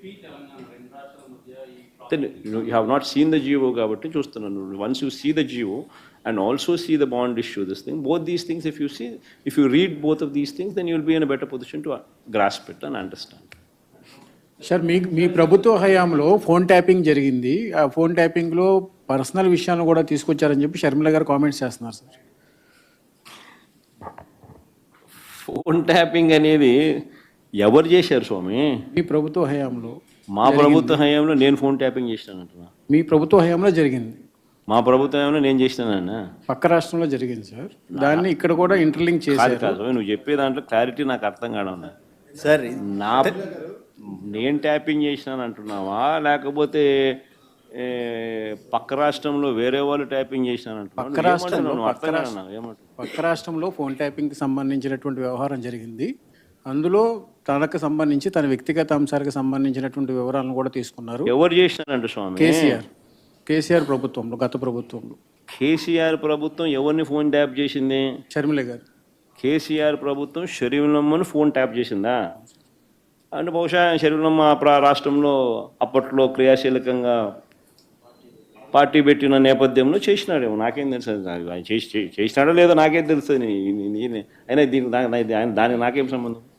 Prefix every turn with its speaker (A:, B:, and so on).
A: then you have not seen the GO కాబట్టి చూస్తున్నాను. Once you see the GO and also see the bond issue, this thing, both these things, if you read both of these things, then you will be in a better position to grasp it and understand.
B: Sir మీ ప్రభుత్వ హయాంలో phone tapping జరిగింది. ఆ phone ట్యాపింగ్లో personal విషయాలను కూడా తీసుకొచ్చారని చెప్పి షర్మిల గారు కామెంట్స్ చేస్తున్నారు సార్.
A: ఫోన్ ట్యాపింగ్ అనేది ఎవరు చేశారు స్వామి?
B: మీ ప్రభుత్వ హయాంలో.
A: మా ప్రభుత్వ హయాంలో నేను ఫోన్ ట్యాపింగ్ చేసినానంటున్నా.
B: మీ ప్రభుత్వ హయాంలో జరిగింది.
A: మా ప్రభుత్వ హయాంలో నేను చేసినానన్నా.
B: పక్క రాష్ట్రంలో జరిగింది సార్. దాన్ని ఇక్కడ కూడా ఇంటర్లింక్ చేశారు.
A: కాదు, నువ్వు చెప్పే దాంట్లో క్లారిటీ నాకు అర్థం కావడం
C: సార్.
A: నేను ట్యాపింగ్ చేసినాను అంటున్నావా, లేకపోతే పక్క రాష్ట్రంలో వేరే వాళ్ళు ట్యాపింగ్ చేసినాను అంటున్నావు?
B: పక్క రాష్ట్రంలో ఫోన్ ట్యాపింగ్కి సంబంధించినటువంటి వ్యవహారం జరిగింది. అందులో తనకు సంబంధించి తన వ్యక్తిగత అంశాలకు సంబంధించినటువంటి వివరాలను కూడా తీసుకున్నారు.
A: ఎవరు చేసినారంట స్వామి?
B: కేసీఆర్ ప్రభుత్వంలో, గత ప్రభుత్వంలో.
A: కేసీఆర్ ప్రభుత్వం ఎవరిని ఫోన్ ట్యాప్ చేసింది?
B: షర్మిల గారు.
A: కేసీఆర్ ప్రభుత్వం షర్మిలమ్మను ఫోన్ ట్యాప్ చేసిందా? అంటే బహుశా షర్మిలమ్మ రాష్ట్రంలో అప్పట్లో క్రియాశీలకంగా పార్టీ పెట్టిన నేపథ్యంలో చేసినాడేమో, నాకేం తెలుసు. చేసినాడో లేదో నాకేం తెలుస్తుంది. అయినా దానికి నాకేం సంబంధం?